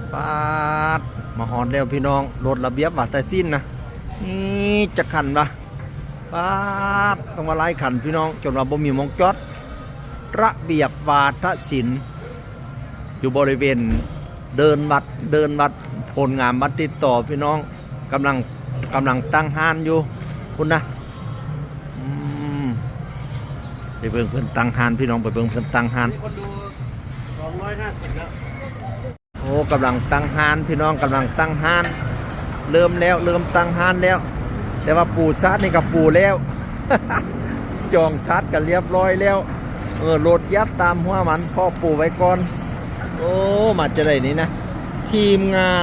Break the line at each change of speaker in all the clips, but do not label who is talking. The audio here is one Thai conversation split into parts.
ปาดมาหอนแล้วพี่น้องรถระเบียบวัดสิ้นนะนี่จะขันปะปาดต้องมาไล่ขันพี่น้องจนว่าบ่มีมองจอดระเบียบวาทศิลป์อยู่บริเวณเดินวัดผลงานวัดติดต่อพี่น้องกำลังตั้งห้านอยู่คุณนะไปเบิ่งเพิ่นตั้งห้านพี่น้องไปเบิ่งเพิ่นตั้งห้าน
คนดู250แล้ว
โอ้กำลังตั้งห้านพี่น้องกำลังตั้งห้านเริ่มตั้งห้านแล้วแต่ว่าปูซัดนี่กับปูแล้ว จองซัดกันเรียบร้อยแล้วโหลดยับตามหัวมันพ่อปูไว้ก่อนโอ้มาจะได้นี่นะทีมงาน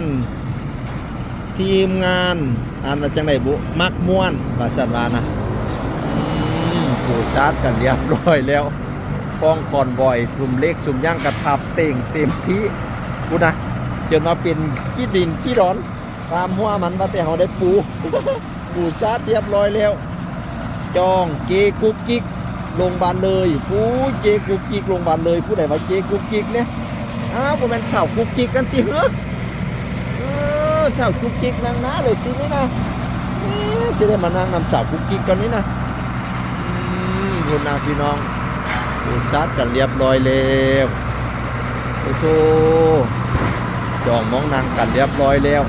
อันจังไดบุมักม่วนภาษาลาวนะปูซัดกันเรียบร้อยแล้วคล้องคอนบ่อยกลุ่มเล็กสุ่มย่างกระทับเต่งเต็มที่กูนะจนมาเป็นขี้ดินขี้ร้อนตามหัวมันมาแต่เขาได้ปูซัดเรียบร้อยแล้วจองเจกุกกิกลงบานเลยผู้เจกุกกิกลงบานเลยผู้ใดว่าเจกุกกิกเนี่ยผมเป็นสาวกุกกิกกันตีเหรอสาวกุกกิกนางน้าเลยตีนี้นะสิได้มานั่งนำสาวกุกกิกกันนี้นะคุณนาพี่น้องปูซัดกันเรียบร้อยแล้วโอ้โหจองมองนางกันเรียบร้อยแล้ว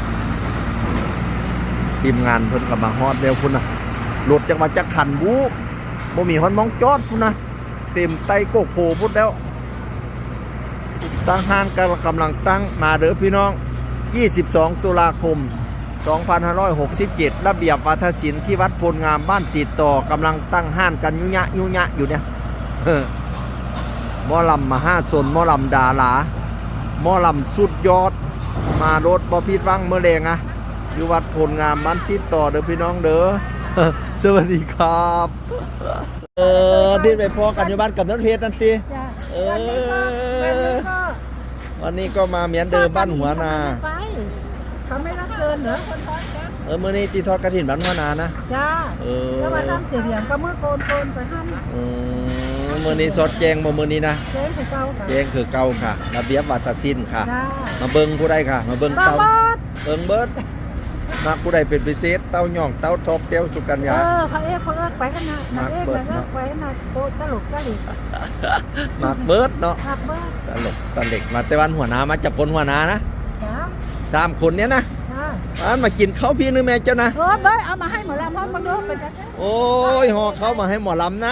ทีมงานเพิ่นกับมาฮอดแล้วคุณนะรถจังมาจักขันบูบ่มีฮอนมองจอดคุณนะเต็มไตโกโผพุ่นแล้วตั้งห้างกำลังตั้งมาเด้อพี่น้อง22ตุลาคม2567ระเบียบวาทศิลป์ที่วัดพลงามบ้านติดต่อกำลังตั้งห้านกันยุยะอยู่เนี่ยหมอลำมา5 สนหมอลำดาราหมอลำสุดยอดมารถบ่ผิดหวังเมื่อแรงอยู่วัดพลงามบ้านติดต่อเด้อพี่น้องเด้อสวัสดีครับที่ไปพอกันอยู่บ้านกับนักเพชรนั่นสิวันนี้ก็มาเหมือนเดิมบ้านหัวนา
เขาไม่รับเกินเหรอคนทอดจ้ะ
มื่อนี้ตีทอดกระถิ่นบ้านหัวนานะ
จ้าแล้วมาทำเสียงก็เมื่อโกนไปท
ำมื่อนี้สดแจงบ่มื่อนี้นะ
แจงคือเก่าค่ะ
แจงคือเก่าค่ะระเบียบวัฒนศิลป์ค่ะมาเบิ้งผู้ใดค่ะมาเบิ้งเต้าเบิ้งเบิดมาผู้ใดเป็นพิเศษเต้าย่องเต้าทบเต้าสุกัญญา
เขาเอกไปขนาดไปขนาดโตตลก
มาเบิดเนาะตลกตะเล็กมาแต่วันหัวนามาจับคนหัวนานะ3 คนเนี้ยนะมากินข้าวพี่นึงแม่เจ้านะ
เบิดเอามาให้หมอลำพ่อมาดูไปจ้ะ
โอ้ยห่อเขามาให้หมอลำนะ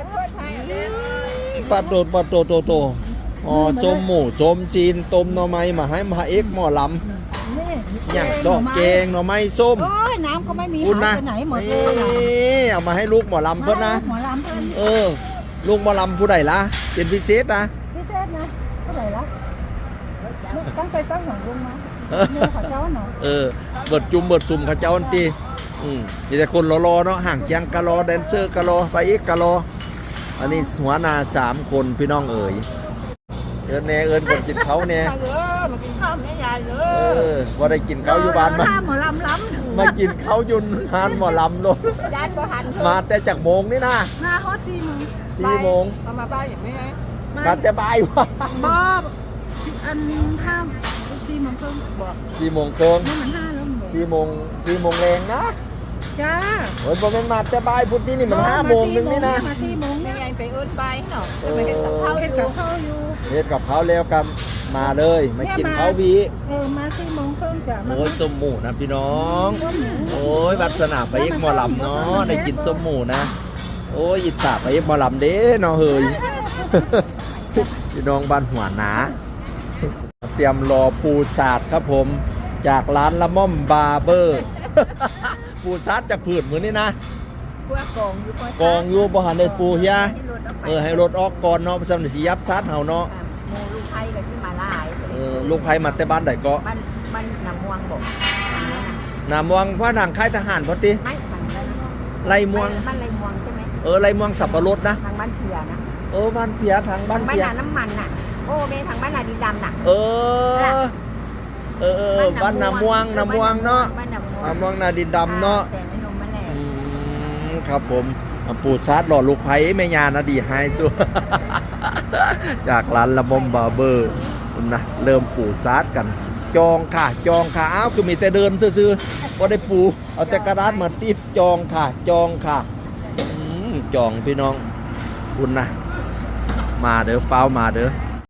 ปลาโตอ๋อส้มหมูส้มจีนต้มหน่อไม้มาให้มาเอ็กหมอลำอย่างดอกแกงหน่อไม้ส้ม
น้ำก็ไม่มี
คุณนะ
ไหนหมดเลย
เอามาให้ลูกหมอลำเพื่อนนะ
หมอลำเพื่อน
ลูกหมอลำผู้ใดล่ะเป็นพิเศษนะ
พิเศษนะผู้ใดล่ะตั้งใจตั้งหวังลุงนะข้าเจ้าเนาะ
เบิดจุ่มเบิดสุ่มข้าเจ้าอันตีมีแต่คนรอเนาะห่างเคียงกะรอแดนเซอร์กะรอไปอีกกะรออันนี้หัวนา3 คนพี่น้องเอ๋ยเอิญคนกินเขาเนี่ย
มากินข้าวแม่ยาย
ว่าได้กินเขาอยู่บ้านมา
หมอลำ
มากินเขายุนฮานหมอลำลงมาแต่จากโมงนี่นะ
มาฮอต
4 โมง
เอามาบ้านอย่างนี้
มาแต่บ่ายวะ
บ้าอันห้าม4 โมงครึ่งบอก
4 โมงครึ่ง
นี่มัน5 แล้ว
4 โมงแรงนะ
จ้า
โอ้ยบ่แม่นมาแต่บ่ายพุธนี่มัน5 โมงนึงนี่นะ
มา4 โมงนี่ไงไปเอิ้นไปเนาะไปเฮ็ดกับข้าวอยู่
เฮ็ดกับข้าวแล้วกันมาเลยมากินข้าววี
มา4 โมงครึ่งจ้ะ
โอ้ยส้มหมูนะพี่น้องโอ้ยวัดสนาไปเอกหมอลำเนาะได้กินส้มหมูนะโอ้ยอิจฉาไปเอกหมอลำเด้เนาะเฮ้ยพี่น้องบ้านหัวหนาเตรียมรอปูสาดครับผมจากร้านละม่อมบาร์เบอร์ปูสาดจากผืนมือนี่นะ
กอง
อยู่บ่หันได้ปูเฮียให้รถออกก่อนเนาะสำหรับสิยับซัดเฮาเนาะ
ลูกไผ่ก็สิมาหลาย
ลูกไผ่มาแต่บ้านใดก็
บ้านน้ำม่วงบ่
น้ำม่วงพระนางค่ายทหารพอติ
ไม่
ไรม่วง
บ้านไรม่วงใช่ไหม
ไรม่วงสับปะรดนะ
ทางบ้านเพียนะ
บ้านเพียทางบ้านเพีย
น้ำมันน่ะโอ้เมทางบ้านนาดินดำน่ะ
บ้านน้ำม่วงเนาะน้ำม่วงนาดินดำเนาะครับผมปูซาดหล่อลูกไผ่แม่ยานะดีไฮสุดจากร้านละม่อมบาร์เบอร์นะเริ่มปูซาดกันจองค่ะจองค่ะอ้าวคือมีแต่เดินซื่อๆบ่ได้ปูเอาแต่กระดาษมาติดจองค่ะจองค่ะจองพี่น้องคุณนะมาเด้อฟ้าวมาเด้อ